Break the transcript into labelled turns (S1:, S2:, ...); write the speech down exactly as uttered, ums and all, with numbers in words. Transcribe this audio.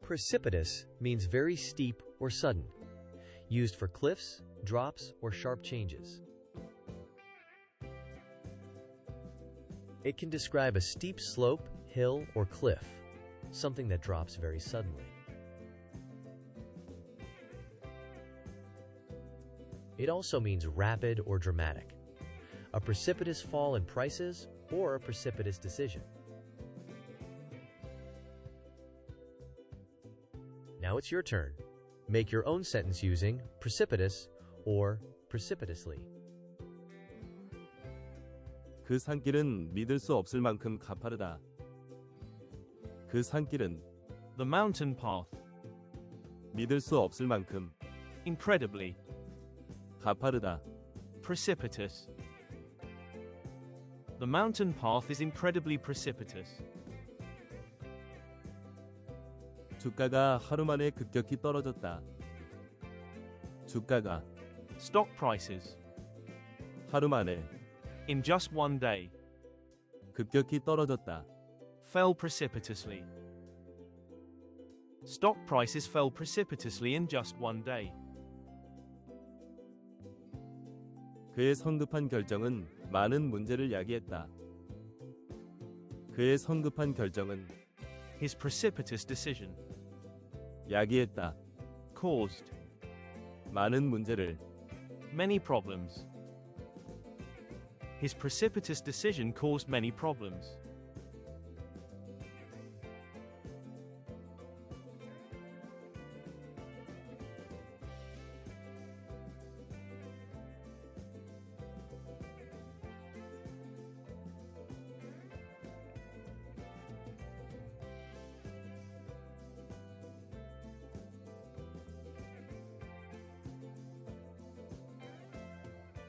S1: Precipitous means very steep or sudden, used for cliffs, drops, or sharp changes. It can describe a steep slope, hill, or cliff, something that drops very suddenly. It also means rapid or dramatic, a precipitous fall in prices or a precipitous decision. Now it's your turn. Make your own sentence using precipitous or precipitously.
S2: 그 산길은 믿을 수 없을 만큼 가파르다. 그 산길은
S3: The mountain path.
S2: 믿을 수 없을 만큼
S3: Incredibly.
S2: 가파르다.
S3: Precipitous. The mountain path is incredibly precipitous.
S2: 주가가 하루 만에 급격히 떨어졌다. 주가가
S3: Stock prices.
S2: 하루 만에
S3: In just one day.
S2: 급격히 떨어졌다.
S3: Fell precipitously. Stock prices fell precipitously in just one day.
S2: 그의 성급한 결정은 많은 문제를 야기했다. 그의 성급한 결정은
S3: His precipitous decision
S2: 야기했다.
S3: caused
S2: 많은 문제를
S3: many problems. His precipitous decision caused many problems.